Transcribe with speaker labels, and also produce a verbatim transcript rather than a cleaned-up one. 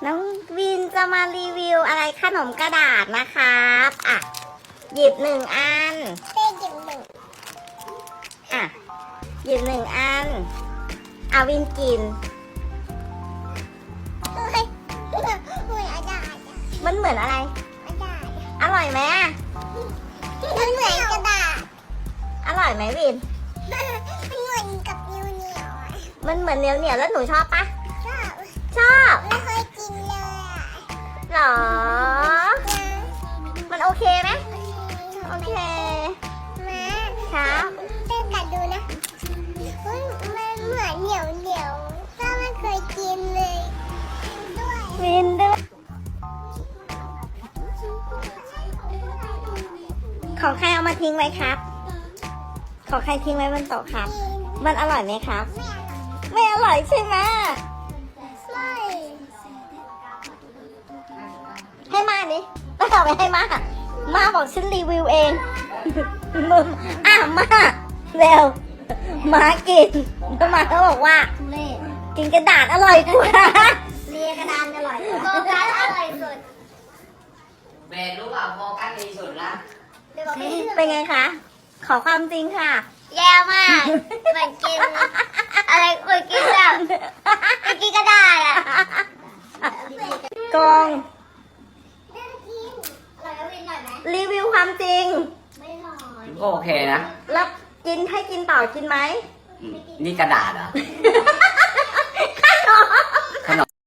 Speaker 1: น้องวินจะมารีวิวอะไรขนมกระดาษนะครับอ่ะหยิบหนึ่งอันเต้หยิบหนึ่งอ่ะหยิบหนึ่งอันเอาวินกินมันเหมือนอะไรอร่อยไหมมันเหมือนกระดาษอร่อยไหมวินมันเหมือนกับเหนียวเหนียวมันเหมือนเหนียวเหนียวแล้วหนูชอบปะชอบชอบไม่เคยกินเลยหรอมันโอเคไหมโอเคมาครับเต้นกัดดูนะมันเหมือนเหนียวเหนียวก็ไม่เคยกินเลยด้วยวินด้วยของใครเอามาทิ้งไว้ครับของใครทิ้งไว้บนโต๊ะครับมันอร่อยไหมครับไม่อร่อยใช่ไหมไม่ให้มาดิต้องเอาไปให้มามาบอกฉันรีวิวเองมึงอ่ะมาเร็วมากินแล้วมาเขาบอกว่ากินกระดาษอร่อยกว่าเลียกระดานอร่อยโฟกัสอร่อยสุด
Speaker 2: เบนรู้เปล่าโฟกัสดีสุดละ
Speaker 1: เป็นไงคะขอความจริงค่ะ
Speaker 3: แย่มากเหมือนกินอะไรเหมือนกินแบบเหมือนกินกระดาษอ่ะ
Speaker 1: กองรีวิวความจริง
Speaker 2: ก็โอเคนะ
Speaker 1: แล้วกินให้กินต่อกินไหม
Speaker 2: นี่กระดาษเหรอ